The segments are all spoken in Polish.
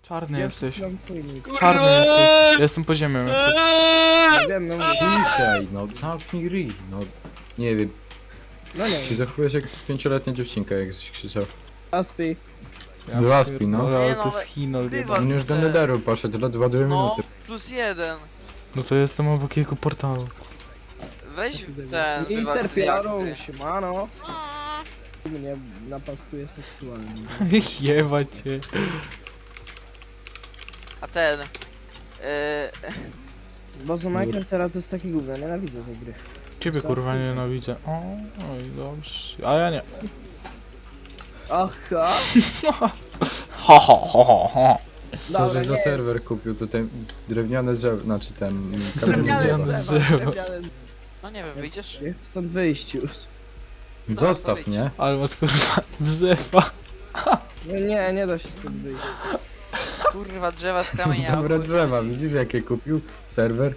Czarny jesteś. Czarny. Czarny jesteś. Ja jestem po ziemią. Nie wiem, no mówię. Ciszej, no zamknij ryj, no nie wiem, No nie się wiem. zachowujesz jak 5-letnia dziewczynka, jak krzyczał. Aspi. Zaspi, no. Ale Nie, to no, jest Chinol wywal. jeden. On już do nederu poszedł, ledwo 2 No, minuty. +1. No to jestem obok jego portalu. Weź ten, Mister wywal Piaro, reakcję. siemano. Mnie napastuje seksualnie. Jeba cię. A ten... Boże, Minecraft teraz to jest taki gówno, nienawidzę tej gry. Ciebie kurwa nienawidzę. O, oj dobrze. A ja nie. Aha! Ho ho ho ho ho. Co żeś za nie. serwer kupił, to ten drewniane drzewo, znaczy ten Drewniane kamienny drzewo. drzewo. drzewa, drewniane- no nie wiem, wyjdziesz? Ja chcę stąd wyjść już. Zostaw, nie? Ale masz kurwa drzewa. No nie, nie da się stąd wyjść. Kurwa, drzewa z kamienia. Dobre drzewa, widzisz jakie kupił? Serwer?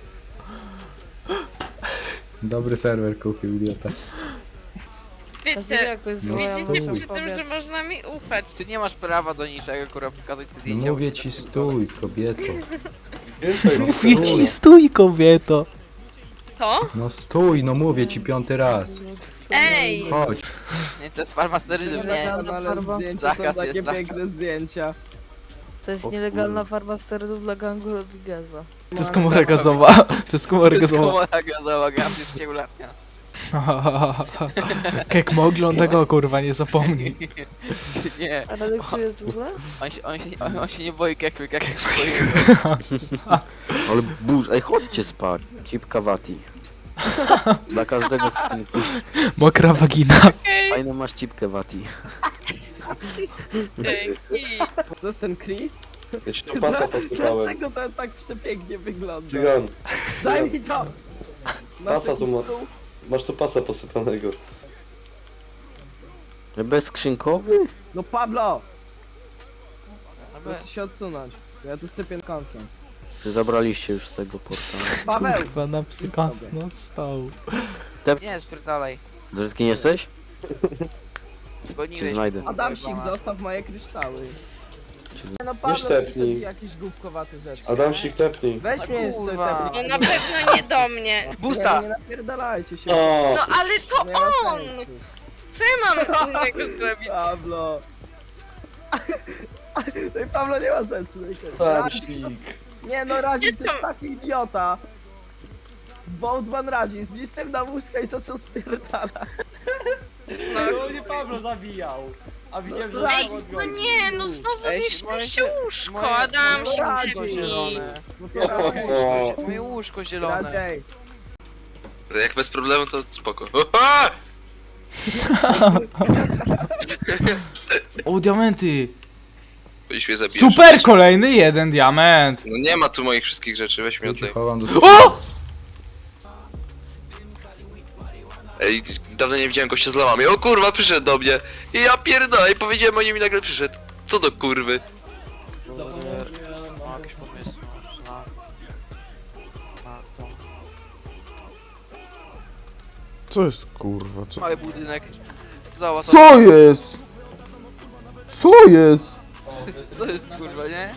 Dobry serwer kupił, idiota. Wiecie, Jak to jest No, złe, widzicie stój. przy tym, że można mi ufać. Ty nie masz prawa do niczego, kurwa, pokazać te No zdjęcia. mówię bo ci to stój, kobieto. Mówię ci stój kobieto. Co? No stój, no mówię ci 5. raz. Ej! Chodź. Nie, to jest farmasteryzm, nie. Nielegalna Ale farba. zdjęcia są Zakaz takie jest, zakaz. piękne zdjęcia. To jest O nielegalna farba sterydów dla gangu Rodrigueza. To jest komora gazowa. To jest komora To jest gazowa. komora gazowa, gaz jest cieulatnia. Kek ogląda go kurwa, nie zapomnij. Nie, A Radek tu jest w ogóle? on się nie boi kekwy, kekwy się boi. Ale burz, ej chodźcie spać, cipka wati. Dla każdego z tych Mokra wagina. fajną masz cipkę wati. Dzięki! To jest ten Chris? Ja ci tu pasa posypałem. Dlaczego to tak przepięknie wygląda? Cygan, Daj mi to! Masz Pasa taki tu ma- stół? masz tu pasa posypanego. Bezskrzynkowy? No Pablo! Proszę się odsunąć. Ja tu sypię kątkiem. Czy zabraliście już z tego portalu? Paweł! Kurwa na psyka no stał. Nie, spierdalaj. Drzewski jesteś? Cię Goniłeś. znajdę. Adamsik, zostaw moje kryształy. No Pablo, sztepnij. przyszedł jakieś głupkowate rzeczy. Adamsik, tepnij. Weź mnie jeszcze Kurwa. tepnij. No na pewno nie do mnie. Busta! Nie napierdalajcie się. O, No ale to Nie ma on! sensu. Co ja mam innego zrobić? Pablo. No i Pablo nie ma sensu. Adamsik. Nie no, Radzi to jest Jestem- taki idiota. Boatman Radzi, zniszczył na łóżka i zaczął spierdalać. No. Nie Pablo zabijał. A widziałem, że Ej, Pablo No odgonił. nie, no znowu Ej, zniszczyliście łóżko, moje- Adam się Radzi. Łóżko przypnij. zielone. O, Moje łóżko zielone. Radziej. Jak bez problemu to spoko. Oha! O, diamenty! Byś mnie zabijesz. Super, kolejny jeden diament! No nie ma tu moich wszystkich rzeczy, weź mi Ja ci oddaj. chowam do O! Ej, dawno nie widziałem gościa z lamami. O kurwa, przyszedł do mnie. I ja pierdolę, i powiedziałem o nim i nagle przyszedł. Co do kurwy? Ma jakieś pomysły na to. Co jest kurwa, co? Mały budynek. Zobacz, Co jest? Co jest? co jest kurwa, nie?